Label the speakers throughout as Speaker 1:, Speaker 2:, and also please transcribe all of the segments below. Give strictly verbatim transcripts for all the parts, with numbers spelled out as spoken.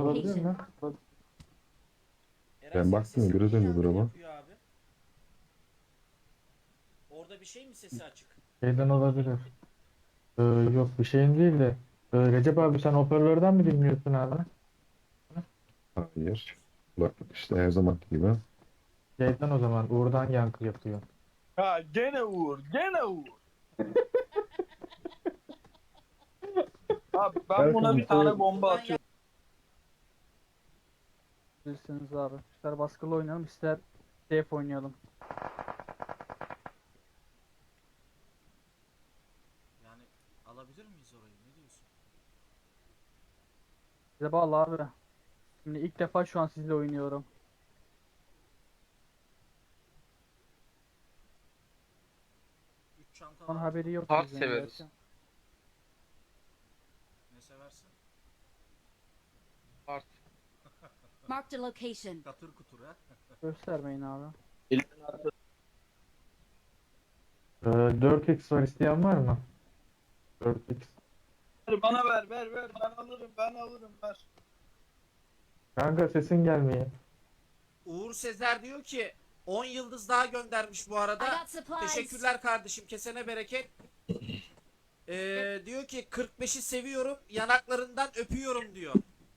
Speaker 1: olabilir mi?
Speaker 2: Eren,
Speaker 3: Ben
Speaker 2: senin
Speaker 3: baktım,
Speaker 2: sesin
Speaker 3: göre
Speaker 2: niye
Speaker 3: döndü
Speaker 2: yankı
Speaker 3: duruma.
Speaker 2: yapıyor abi? Orada bir şey mi sesi açık?
Speaker 1: Şeyden olabilir. Ee, yok bir şeyin değil de. Ee, Recep abi sen hoparlörden mi dinliyorsun abi?
Speaker 3: Hayır. Kulaklık işte her zaman gibi.
Speaker 1: Şeyden o zaman Uğur'dan yankı yapıyor.
Speaker 4: Ha gene Uğur, gene Uğur. Abi ben buna bir tane bomba
Speaker 2: Buradan
Speaker 4: atıyorum.
Speaker 5: Bilirsiniz abi. İster baskılı oynayalım ister safe oynayalım.
Speaker 2: Yani alabilir miyiz orayı? Ne diyorsun?
Speaker 5: Size bağlı abi. Şimdi ilk defa şu an sizle oynuyorum.
Speaker 2: Üç çanta
Speaker 5: Onun
Speaker 2: var.
Speaker 5: haberi yok
Speaker 6: Hard
Speaker 5: bizden
Speaker 6: severiz.
Speaker 5: gerçi.
Speaker 2: Ne seversin?
Speaker 6: Art.
Speaker 7: Marked a location.
Speaker 2: Katır kutur ha.
Speaker 5: Göstermeyin abi.
Speaker 1: Ee, dört x var, isteyen var mı? dört x.
Speaker 4: Bana ver, ver, ver. Ben alırım, ben alırım, ver.
Speaker 1: Kanka sesin gelmiyor.
Speaker 2: Uğur Sezer diyor ki on yıldız daha göndermiş bu
Speaker 7: I
Speaker 2: arada.
Speaker 7: got supplies.
Speaker 2: Teşekkürler kardeşim. Kesene bereket. Ee, diyor ki kırk beşi seviyorum. Yanaklarından öpüyorum diyor.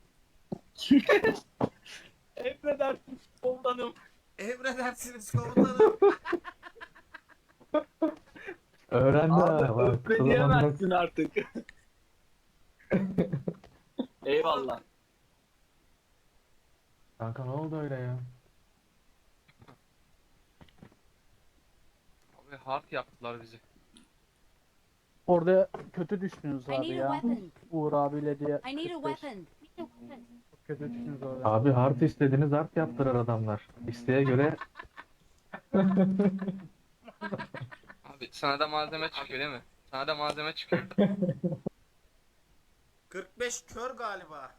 Speaker 4: Emredersin komutanım.
Speaker 2: Emredersiniz komutanım.
Speaker 1: Öğrendi ha.
Speaker 4: Abi
Speaker 1: Bak,
Speaker 4: öpme
Speaker 1: kızım
Speaker 4: diyemezsin artık. Eyvallah.
Speaker 1: Kanka ne oldu öyle ya?
Speaker 6: Abi hard yaptılar bizi.
Speaker 5: Orada kötü düştünüz
Speaker 7: I
Speaker 5: abi
Speaker 7: need a
Speaker 5: ya.
Speaker 7: weapon.
Speaker 5: Uğur abiyle diye.
Speaker 7: I need a
Speaker 5: kırk beş.
Speaker 7: weapon.
Speaker 5: Çok kötü düştünüz orada.
Speaker 1: Abi hard istediniz, hard yaptılar adamlar. İsteğe göre
Speaker 6: Abi sana da malzeme çıkıyor değil mi? Sana da malzeme çıkıyor.
Speaker 2: kırk beş kör galiba.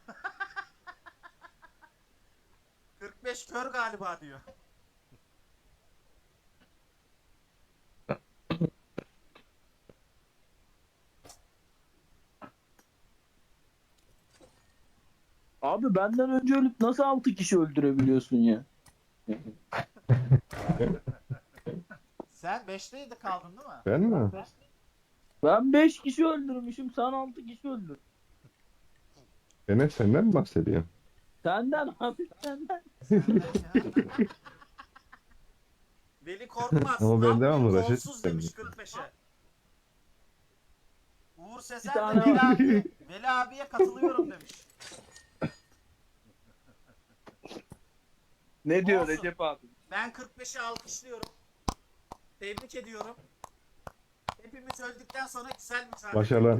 Speaker 2: kırk beş kör galiba diyor.
Speaker 4: Abi benden önce ölüp nasıl altı kişi öldürebiliyorsun ya?
Speaker 2: Sen beşteydi kaldın değil mi?
Speaker 3: Ben mi?
Speaker 4: Ben beş kişi öldürmüşüm, sen altı kişi öldür.
Speaker 3: Enes senden mi bahsediyor?
Speaker 4: Senden abi, senden.
Speaker 2: Veli Korkmaz.
Speaker 3: Ama ben
Speaker 2: Tam
Speaker 3: devamlı
Speaker 2: bir
Speaker 3: Raşit
Speaker 2: golsüz demiş
Speaker 3: istedim.
Speaker 2: kırk beşe. Uğur Sezer
Speaker 4: Bir
Speaker 2: de
Speaker 4: tane
Speaker 2: Veli, abi, Veli abiye katılıyorum demiş.
Speaker 4: Ne diyor
Speaker 2: Olsun.
Speaker 4: Recep abi?
Speaker 2: Ben kırk beşi alkışlıyorum. Tebrik ediyorum. Hepimiz öldükten sonra güzel mücadele.
Speaker 3: Başarılar.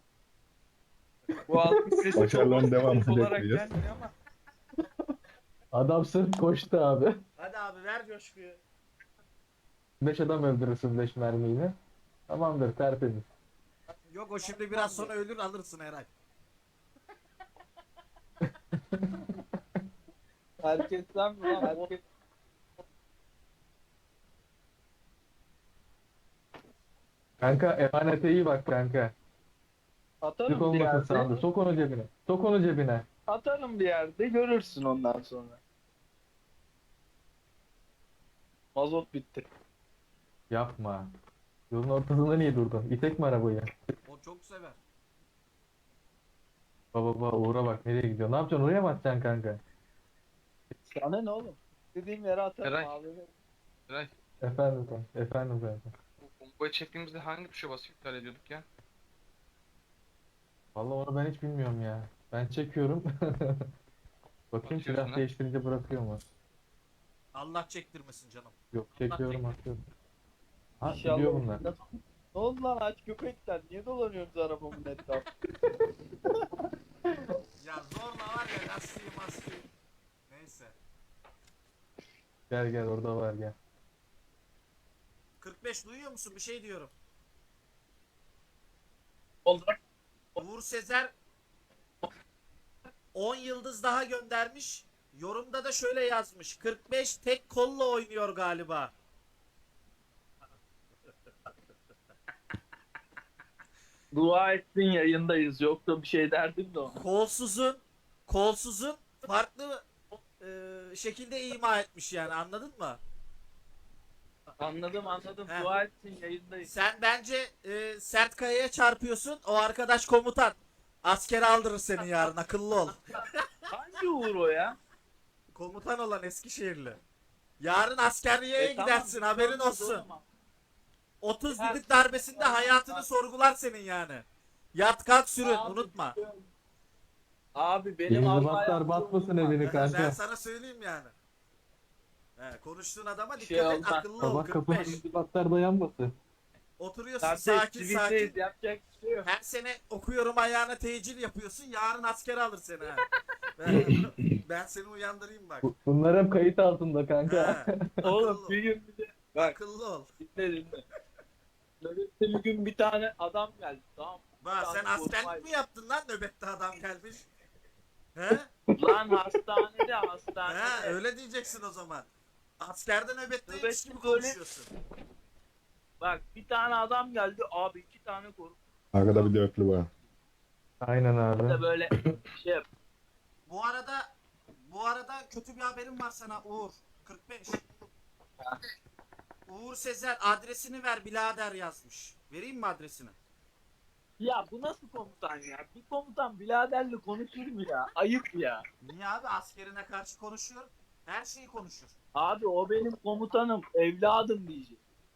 Speaker 4: Bu altı sesi
Speaker 3: Başarıların
Speaker 4: çok
Speaker 3: devamını
Speaker 4: pozitif olarak
Speaker 3: bekliyoruz.
Speaker 4: gelmiyor ama.
Speaker 1: adam sırf koştu abi.
Speaker 2: Hadi abi ver coşkuyu.
Speaker 1: Beş adam öldürürsün beş mermiyle. Tamamdır, tertemiz.
Speaker 2: Yok o şimdi biraz sonra ölür alırsın Eray.
Speaker 4: Herkesten mi lan? Herkes...
Speaker 1: Kanka emanete iyi bak kanka. Sık
Speaker 4: Atarım bir
Speaker 1: olmasın
Speaker 4: yerde.
Speaker 1: sağında. Sok onu cebine. Sok onu cebine.
Speaker 4: Atarım bir yerde, görürsün ondan sonra. Mazot bitti.
Speaker 1: Yapma. Yolun ortasında niye durdun? İtek mi arabayı?
Speaker 2: O çok sever.
Speaker 1: Baba baba Uğur'a bak nereye gidiyor. Ne yapacaksın? Oraya mı atacaksın kanka?
Speaker 4: Sana ne oğlum? Dediğim yere atarım
Speaker 6: Eray.
Speaker 4: abi.
Speaker 6: Eray,
Speaker 1: Efendim kanka. Efendim kanka.
Speaker 6: bu bombayı çektiğimizde hangi tuşa basıp iptal ediyorduk ya?
Speaker 1: Vallahi onu ben hiç bilmiyorum ya. Ben çekiyorum. Bakayım
Speaker 6: Atıyorsun
Speaker 1: silah
Speaker 6: ha?
Speaker 1: değiştirince bırakıyor mu?
Speaker 2: Allah çektirmesin canım.
Speaker 1: Yok çekiyorum atıyorum. Ha
Speaker 4: İnşallah.
Speaker 1: gidiyor bunlar.
Speaker 4: Ne oldu lan aç köpekler? Niye dolanıyorsunuz arabamın etrafında?
Speaker 2: Ya zorla var ya lastiği mastiği. Neyse.
Speaker 1: Gel gel orada var gel.
Speaker 2: kırk beş duyuyor musun? Bir şey diyorum.
Speaker 4: Oldu.
Speaker 2: Uğur Sezer on yıldız daha göndermiş. Yorumda da şöyle yazmış. kırk beş tek kolla oynuyor galiba.
Speaker 4: Dua ettin yayındayız. Yoksa bir şey derdim de ona.
Speaker 2: Kolsuzun kolsuzun farklı e, şekilde ima etmiş yani, anladın mı?
Speaker 4: Anladım anladım.
Speaker 2: He.
Speaker 4: Dua etsin yayındayız.
Speaker 2: Sen bence e, sert kayaya çarpıyorsun. O arkadaş komutan. Askere aldırır seni yarın, akıllı ol.
Speaker 4: Hangi Uğur o ya?
Speaker 2: Komutan olan Eskişehirli. Yarın askerliğe
Speaker 4: E, tamam,
Speaker 2: gidersin, haberin
Speaker 4: tamam,
Speaker 2: olsun.
Speaker 4: tamam.
Speaker 2: otuz
Speaker 4: Ha,
Speaker 2: düdük darbesinde hayatını sorgular senin yani. Yat kalk sürün,
Speaker 4: Abi,
Speaker 2: unutma.
Speaker 4: Abi benim
Speaker 1: İnzibatlar batmasın evini
Speaker 2: Ben
Speaker 1: kanka.
Speaker 2: sana söyleyeyim yani. He, konuştuğun adama
Speaker 4: Bir
Speaker 2: dikkat
Speaker 4: şey
Speaker 2: et,
Speaker 4: olmaz.
Speaker 2: akıllı ol.
Speaker 1: Sabah kapının
Speaker 2: kırk beş.
Speaker 1: inzibatlar dayanmasın.
Speaker 2: Oturuyorsun
Speaker 4: Kardeş
Speaker 2: sakin
Speaker 4: tweet'teyiz,
Speaker 2: sakin.
Speaker 4: yapacak bir şey yok.
Speaker 2: Her sene okuyorum ayağına tecil yapıyorsun. Yarın askere alır seni ha. Ben, ben seni uyandırayım bak.
Speaker 1: Bu- Bunlar hep kayıt altında kanka.
Speaker 2: He,
Speaker 4: Oğlum
Speaker 2: akıllı,
Speaker 4: bir gün bir de bak
Speaker 2: akıllı ol.
Speaker 4: dinle dinle. Nöbette bir gün bir tane adam geldi tamam mı?
Speaker 2: Bak sen
Speaker 4: Tamam,
Speaker 2: askerlik
Speaker 4: korkmayın.
Speaker 2: mi yaptın lan, nöbette adam gelmiş? He?
Speaker 4: Lan hastanede hastanede.
Speaker 2: He, öyle diyeceksin o zaman. Askerde nöbetteymiş
Speaker 4: Nöbet
Speaker 2: gibi
Speaker 4: böyle-
Speaker 2: konuşuyorsun.
Speaker 4: Bak bir tane adam geldi abi iki tane korku
Speaker 3: Arkada bir dörtlü var.
Speaker 1: Aynen abi.
Speaker 4: da böyle şey yap.
Speaker 2: Bu arada bu arada kötü bir haberim var sana Uğur. kırk beş. Uğur Sezer adresini ver birader yazmış. Vereyim mi adresini?
Speaker 4: Ya bu nasıl komutan ya? Bir komutan biraderle konuşur mu ya? Ayıp ya.
Speaker 2: Niye abi, askerine karşı konuşuyor. Her şeyi konuşur.
Speaker 4: Abi o benim komutanım, evladım diyecek.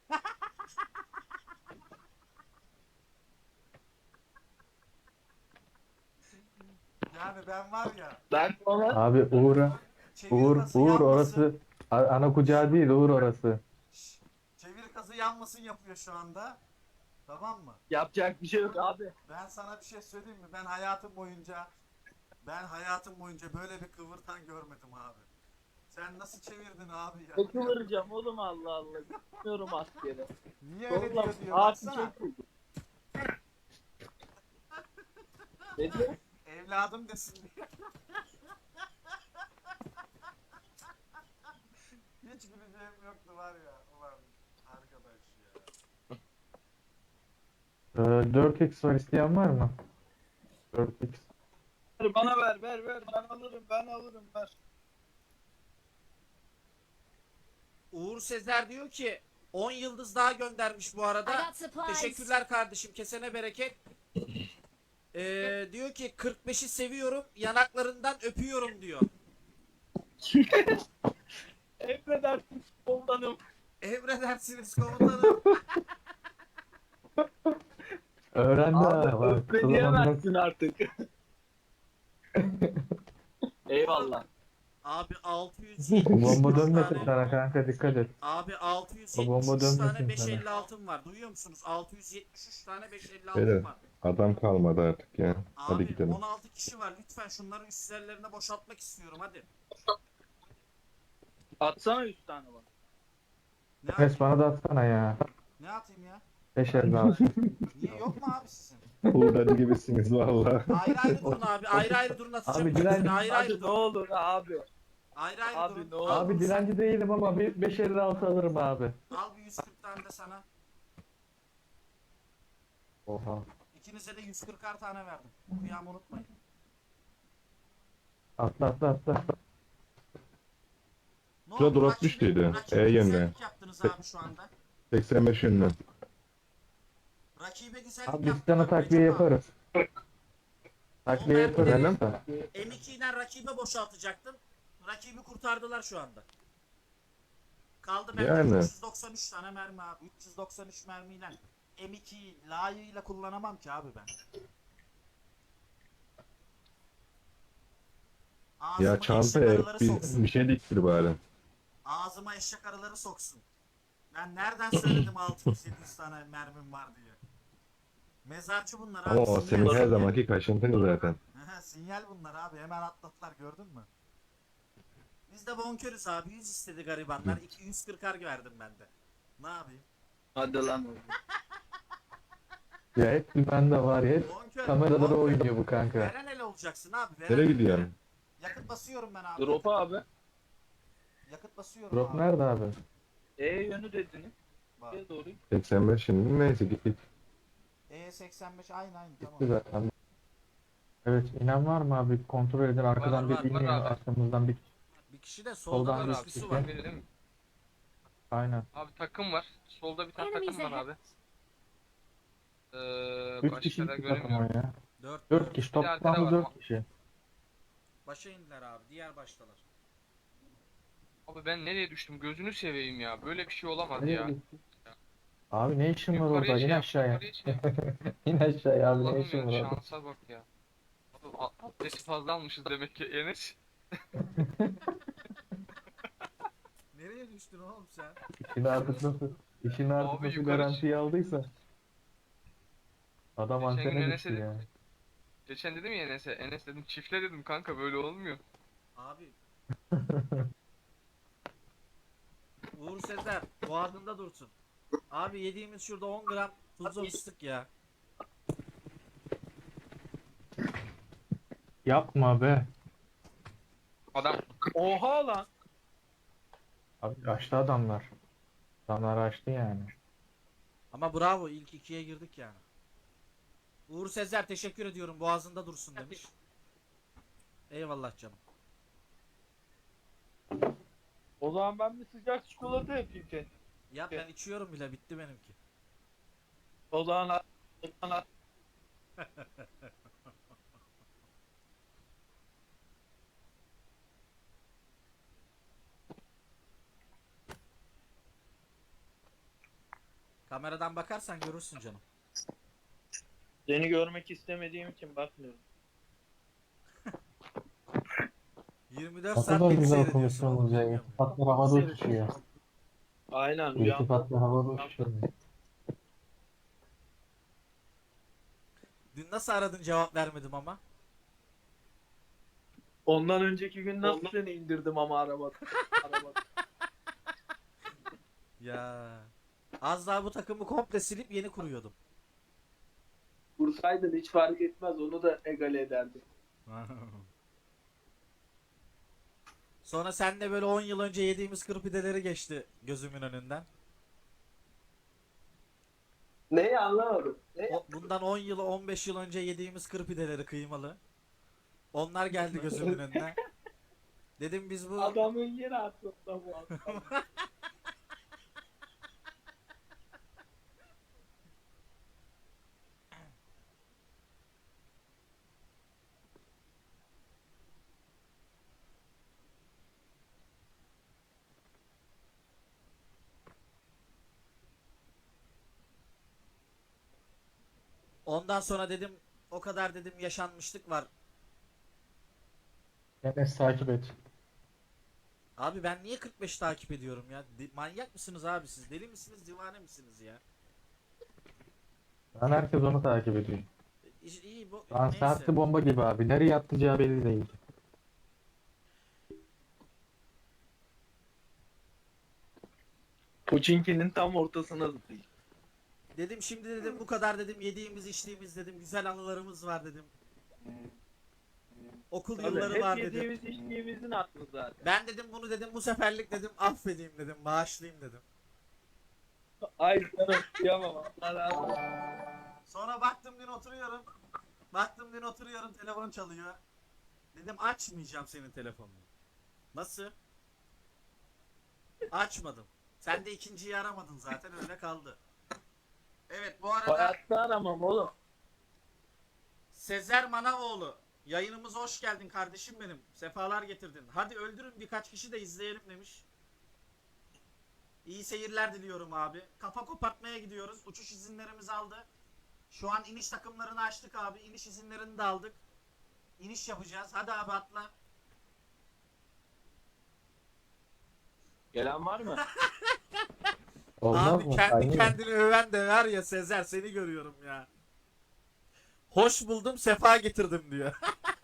Speaker 2: Yani ben var ya.
Speaker 4: Ben ona
Speaker 1: Abi Uğur'a.
Speaker 2: Çevir
Speaker 1: Uğur,
Speaker 2: kazı
Speaker 1: Uğur
Speaker 2: yanmasın.
Speaker 1: orası. A- Ana kucağı değil Uğur orası.
Speaker 2: Şşş, çevir kazı yanmasın yapıyor şu anda. Tamam mı?
Speaker 4: yapacak bir şey yok abi.
Speaker 2: Ben sana bir şey söyleyeyim mi? Ben hayatım boyunca ben hayatım boyunca böyle bir kıvırtan görmedim abi. Sen nasıl çevirdin abi ya?
Speaker 4: Ne kıvıracağım oğlum Allah Allah. Gitmiyorum askere.
Speaker 2: Niye öyle
Speaker 4: Oğlum
Speaker 2: diyor diyor
Speaker 4: abi
Speaker 2: baksana.
Speaker 4: çok kötü. Ne diyor?
Speaker 2: Evladım desin diye. Hiç güleceğim yoktu var ya. Ulan arkadaş ya.
Speaker 1: Ee, dört x var, isteyen var mı? dört x.
Speaker 4: Ver, bana ver ver ver ben alırım ben alırım ver.
Speaker 2: Uğur Sezer diyor ki on yıldız daha göndermiş bu
Speaker 7: I
Speaker 2: arada.
Speaker 7: got supplies.
Speaker 2: Teşekkürler kardeşim, kesene bereket. Ee, diyor ki kırk beşi seviyorum, yanaklarından öpüyorum diyor.
Speaker 4: Emredersin komutanım.
Speaker 2: Emredersiniz komutanım.
Speaker 1: Öğrendi ha.
Speaker 4: Abi
Speaker 1: Bak,
Speaker 4: öpme
Speaker 1: kızım
Speaker 4: diyemezsin artık. Eyvallah.
Speaker 2: Abi altı yüz
Speaker 1: Bu
Speaker 2: yetmiş
Speaker 1: bomba
Speaker 2: üç
Speaker 1: dönmesin
Speaker 2: tane,
Speaker 1: sana kanka, dikkat et.
Speaker 2: abi altı yüz
Speaker 1: O bomba
Speaker 2: yetmiş üç tane
Speaker 1: dönmesin
Speaker 2: beş
Speaker 1: sana.
Speaker 2: elli altım var. Duyuyor musunuz? altı yüz yetmiş üç tane beş elli
Speaker 3: Beyler,
Speaker 2: altım var.
Speaker 3: Adam kalmadı artık ya. Hadi
Speaker 2: Abi
Speaker 3: gidelim.
Speaker 2: on altı kişi var. Lütfen şunları üst yerlerine boşaltmak istiyorum hadi.
Speaker 4: Atsana üç tane bana.
Speaker 2: Ne,
Speaker 1: Enes
Speaker 2: at-
Speaker 1: bana da atsana ya.
Speaker 2: ne atayım ya?
Speaker 1: beş elli altı.
Speaker 2: Niye yok mu abi sizin?
Speaker 3: Buğdacı gibisiniz valla.
Speaker 2: Ayrı ayrı durun abi. Ayrı ayrı durun, atacağım.
Speaker 1: Abi,
Speaker 2: ikisini.
Speaker 1: direnç-
Speaker 2: ayrı ayrı
Speaker 4: Hadi ne
Speaker 2: durun.
Speaker 4: olur abi.
Speaker 2: Ayrı ayrı
Speaker 4: Abi
Speaker 2: durun.
Speaker 4: ne olur.
Speaker 2: Al
Speaker 1: Abi
Speaker 2: bunu
Speaker 1: dilenci değilim ama bir beş elli altı alırım abi.
Speaker 2: sen. Al bir yüz kırk tane de sana.
Speaker 1: Oha.
Speaker 2: İkinize de yüz kırkar tane verdim. Kıyamı unutmayın.
Speaker 1: Atla atla atla.
Speaker 2: Ne
Speaker 3: Şurada
Speaker 2: oldu?
Speaker 3: drop
Speaker 2: Rakibe-
Speaker 3: düştüydü.
Speaker 2: rakibe
Speaker 3: E yönde.
Speaker 2: güzellik yaptınız abi şu anda.
Speaker 3: seksen beş yönlü.
Speaker 2: Rakibe güzellik
Speaker 1: Abi biz
Speaker 2: yaptınız.
Speaker 1: sana takviye
Speaker 2: Recep abi.
Speaker 1: yaparız. Takviye yaparız.
Speaker 3: Efendim?
Speaker 2: M iki'den rakibe boşaltacaktım. Rakibi kurtardılar şu anda. Kaldı bende
Speaker 3: Yani.
Speaker 2: üç yüz doksan üç tane mermi abi. üç yüz doksan üç mermiyle M iki'yi layığıyla kullanamam ki abi ben. Ağzıma
Speaker 3: Ya
Speaker 2: eşek
Speaker 3: çantaya
Speaker 2: arıları
Speaker 3: bir,
Speaker 2: soksun.
Speaker 3: bir şey diktir bari.
Speaker 2: Ağzıma eşek arıları soksun. Ben nereden söyledim altı yüz yedi yüz tane mermim var diye. Mezarcı bunlar abi.
Speaker 3: Ama o
Speaker 2: sinyal,
Speaker 3: senin her
Speaker 2: sinyal.
Speaker 3: zamanki kaşıntın zaten.
Speaker 2: Aha, sinyal bunlar abi, hemen atlattılar, gördün mü? Biz de bonkörüz abi, yüz istedi garibanlar, iki yüz kırkar verdim ben de. Ne yapayım?
Speaker 4: Hadi lan.
Speaker 1: Ya hep bende var ya. Hep
Speaker 2: Bonkör.
Speaker 1: kameralara
Speaker 2: bonkör.
Speaker 1: oynuyor bu kanka.
Speaker 2: Veren ele olacaksın abi. Veren
Speaker 3: Nereye
Speaker 2: ele.
Speaker 3: gidiyorsun?
Speaker 2: Yakıt basıyorum ben abi.
Speaker 4: Drop abi.
Speaker 2: Yakıt basıyorum
Speaker 1: Drop
Speaker 2: abi.
Speaker 1: nerede abi?
Speaker 4: E yönü dediniz.
Speaker 2: Bak.
Speaker 4: E doğru.
Speaker 3: seksen beş şimdi neyse git git.
Speaker 2: E seksen beş aynı aynı tamam.
Speaker 1: Gitti zaten. Evet, inen var mı abi? Kontrol edin. Arkadan
Speaker 2: var,
Speaker 1: bir
Speaker 6: var
Speaker 1: iniyor.
Speaker 6: abi.
Speaker 1: Arkamızdan bir.
Speaker 2: Bir kişi de solda
Speaker 1: Soldan
Speaker 2: var,
Speaker 1: bir
Speaker 6: Var abi.
Speaker 2: üçlüsü
Speaker 1: kişi.
Speaker 2: var.
Speaker 6: Biri değil mi?
Speaker 1: Aynen.
Speaker 6: Abi takım var. Solda bir tane
Speaker 7: Enemies
Speaker 6: takım var
Speaker 7: ahead.
Speaker 6: abi. Ee,
Speaker 1: Üç
Speaker 6: başka
Speaker 1: kişilik
Speaker 6: da
Speaker 1: bir takım o
Speaker 6: göremiyorum.
Speaker 1: ya.
Speaker 2: Dört,
Speaker 1: Dört
Speaker 2: dört.
Speaker 1: kişi.
Speaker 6: Bir de arkada
Speaker 1: Toplamda
Speaker 6: var
Speaker 1: dört
Speaker 6: ama.
Speaker 1: kişi.
Speaker 2: Başa indiler abi. Diğer baştalar.
Speaker 6: Abi ben nereye düştüm? Gözünü seveyim ya. Böyle bir şey olamaz
Speaker 1: Nereye
Speaker 6: ya.
Speaker 1: gitti? Abi ne işin var
Speaker 6: Yukarıya
Speaker 1: orada?
Speaker 6: şey
Speaker 1: İn
Speaker 6: yap,
Speaker 1: aşağıya.
Speaker 6: yukarıya şey yap.
Speaker 1: İn aşağıya abi. Ne
Speaker 6: Allah'ım
Speaker 1: işin
Speaker 6: ya
Speaker 1: var orada?
Speaker 6: şansa bak ya. Abi a- adresi fazla almışız demek ki Enes.
Speaker 2: Nereye düştün oğlum sen?
Speaker 1: İşini artık nasıl, işini artık
Speaker 6: Abi
Speaker 1: nasıl
Speaker 6: yukarı
Speaker 1: garantiye aldıysa. Adam
Speaker 6: Geçen gün
Speaker 1: antene
Speaker 6: Enes'e
Speaker 1: düştü
Speaker 6: dedim.
Speaker 1: ya.
Speaker 6: Geçen dedim ya Enes'e. Enes dedim çiftle dedim kanka böyle olmuyor.
Speaker 2: Abi. Uğur Sezer boğazında dursun. Abi yediğimiz şurada on gram tuzlu fıstık ya.
Speaker 1: Yapma be.
Speaker 6: Adam
Speaker 4: Oha lan.
Speaker 1: Abi açtı adamlar. Adamlar açtı yani.
Speaker 2: Ama bravo, ilk ikiye girdik yani. Uğur Sezer teşekkür ediyorum, boğazında dursun demiş. Eyvallah canım.
Speaker 4: O zaman ben bir sıcak çikolata yapayım kendime.
Speaker 2: Ya ben içiyorum bile, bitti benimki.
Speaker 4: O zaman o zaman
Speaker 2: Kameradan bakarsan görürsün canım.
Speaker 4: seni görmek istemediğim için bakmıyorum.
Speaker 2: yirmi dört
Speaker 1: Ne
Speaker 2: saat
Speaker 1: kadar
Speaker 2: beni
Speaker 1: güzel
Speaker 2: seyrediyorsun oğlum,
Speaker 1: konuşuyorsunuz ya.
Speaker 2: bilmiyor musun?
Speaker 1: İltifatlar havada uçuşuyor.
Speaker 4: Aynen rüyam.
Speaker 1: İltifatlar havada uçuşuyor.
Speaker 2: Dün nasıl aradın, cevap vermedim ama.
Speaker 4: Ondan önceki gün nasıl seni indirdim ama araba. araba.
Speaker 2: Ya. Az daha bu takımı komple silip yeni kuruyordum.
Speaker 4: Vursaydın hiç fark etmez onu da egale ederdim.
Speaker 2: Sonra senle böyle on yıl önce yediğimiz kırpideleri geçti gözümün önünden.
Speaker 4: Neyi anlamadım. Ne?
Speaker 2: O, bundan on yıl on beş yıl önce yediğimiz kırpideleri kıymalı. Onlar geldi gözümün önüne. Dedim biz bu
Speaker 4: Adamın yeri aklımda bu adam.
Speaker 2: ondan sonra dedim o kadar dedim yaşanmışlık var.
Speaker 1: Enes takip et.
Speaker 2: Abi ben niye kırk beş takip ediyorum ya? Di- manyak mısınız abi siz? Deli misiniz, divane misiniz ya?
Speaker 1: Lan herkes onu takip ediyor.
Speaker 2: İyi, iyi bu
Speaker 1: Lan
Speaker 2: neyse.
Speaker 1: saatli bomba gibi abi. Nereye atacağı belli değil.
Speaker 4: Puçinki'nin tam ortasına zıplayın.
Speaker 2: Dedim şimdi dedim bu kadar dedim yediğimiz içtiğimiz dedim güzel anılarımız var dedim. Okul yılları var
Speaker 4: Hep
Speaker 2: dedim.
Speaker 4: yediğimiz içtiğimizin aklı zaten.
Speaker 2: Ben dedim bunu dedim bu seferlik dedim affedeyim dedim, bağışlayayım dedim.
Speaker 4: Ay canım kıyamam. Allah razı olsun.
Speaker 2: Sonra baktım dün oturuyorum. Baktım dün oturuyorum, telefon çalıyor. Dedim açmayacağım senin telefonunu. Nasıl? Açmadım. Sen de ikinciyi aramadın zaten, öyle kaldı. Evet, bu arada
Speaker 4: Hayatta aramam oğlum.
Speaker 2: Sezer Manavoğlu, yayınımıza hoş geldin kardeşim benim. Sefalar getirdin. Hadi öldürün birkaç kişi de izleyelim demiş. İyi seyirler diliyorum abi. Kafa kopartmaya gidiyoruz. Uçuş izinlerimizi aldı. Şu an iniş takımlarını açtık abi. İniş izinlerini de aldık. İniş yapacağız. Hadi abi atla.
Speaker 4: Gelen var mı?
Speaker 1: Olmaz
Speaker 2: Abi
Speaker 1: mı?
Speaker 2: kendi
Speaker 1: Aynı.
Speaker 2: kendini öven de var ya Sezer, seni görüyorum ya. Hoş buldum, sefa getirdim diyor.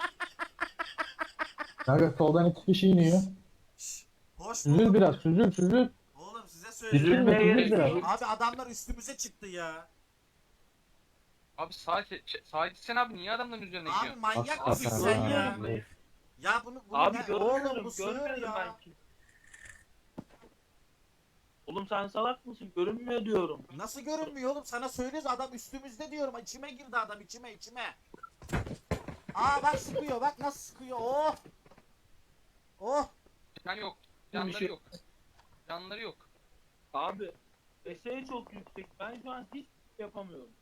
Speaker 1: Kanka soldan iki kişi iniyor.
Speaker 2: Şş, hoş
Speaker 1: Süzül
Speaker 2: buldum.
Speaker 1: biraz, süzül, süzül.
Speaker 2: Oğlum size
Speaker 1: Süzülme,
Speaker 2: söylüyorum.
Speaker 1: süzül biraz.
Speaker 2: Abi adamlar üstümüze çıktı ya.
Speaker 6: abi sağa ke- sağa gitsene abi niye adamların üzerine
Speaker 2: Abi
Speaker 6: gidiyorsun?
Speaker 2: manyak
Speaker 1: Hakikaten
Speaker 2: mısın sen
Speaker 1: ha.
Speaker 2: ya? Ya bunu, bunu
Speaker 4: Abi
Speaker 2: ne-
Speaker 4: görmüyorum,
Speaker 2: oğlum bu sığır
Speaker 4: görmedim
Speaker 2: ya.
Speaker 4: ben ki. Oğlum sen salak mısın? Görünmüyor diyorum.
Speaker 2: Nasıl görünmüyor oğlum? Sana söylüyoruz, adam üstümüzde diyorum. İçime girdi adam, içime içime. Aa bak sıkıyor, bak nasıl sıkıyor. Oh. Oh.
Speaker 6: Can yok.
Speaker 4: Bir
Speaker 6: Canları
Speaker 4: şey-
Speaker 6: yok. Canları yok.
Speaker 4: Abi eseği çok yüksek. Ben şu an hiç yapamıyorum.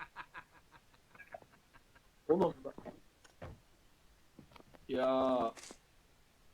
Speaker 4: Oğlum bak. Ya